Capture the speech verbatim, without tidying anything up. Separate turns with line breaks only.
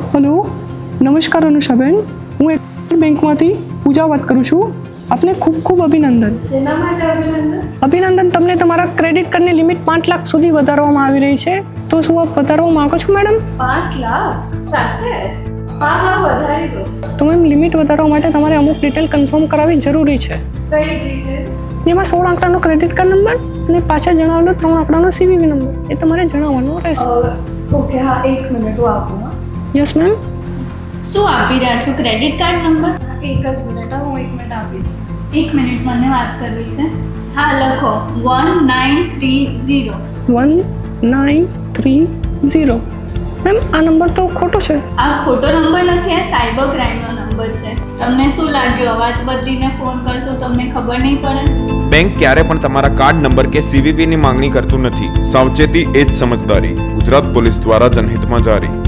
Hello, નમસ્કાર અનુષાબેન. હું એક બેંકમાંથી પૂજા વાત કરું છું. આપને ખૂબ ખૂબ અભિનંદન.
શેના માટે અભિનંદન?
અભિનંદન તમને તમારા ક્રેડિટ કાર્ડની લિમિટ પાંચ લાખ સુધી વધારવામાં આવી રહી છે. તો શું આપ વધારવા માંગો છો મેડમ?
પાંચ લાખ? સાચે? હા હા, વધારી દો.
તો મેમ લિમિટ વધારવા માટે તમારે અમુક ડિટેલ કન્ફર્મ કરાવવી જરૂરી છે.
કઈ ડિટેલ્સ?
જેમાં સોળ આંકડાનો ક્રેડિટ કાર્ડ નંબર અને પાછળ જણાવેલો ત્રણ આંકડાનો સીવીવી નંબર એ તમારે જણાવવાનો રહેશે.
ઓકે, હા, એક મિનિટ હું આપું. હા,
યસ મેમ.
શું આપી રહ્યા છો? Credit card number?
એક જ મિનિટ. હા, હું એક મિનિટ આપી દઉં.
એક મિનિટ, મને વાત કરવી છે. હા, લખો one nine three zero.
One nine three zero. Ma'am આ નંબર તો ખોટો છે.
આ ખોટો નંબર નથી, આ સાયબર ક્રાઇમનો નંબર છે. તમને શું લાગ્યું અવાજ બદલીને ફોન કરશો તમને ખબર નહીં પડે?
બેંક ક્યારે પણ તમારા કાર્ડ નંબર કે સીવીવી ની માંગણી કરતું નથી. સાવચેતી એ જ સમજદારી. ગુજરાત પોલીસ દ્વારા જનહિતમાં જારી.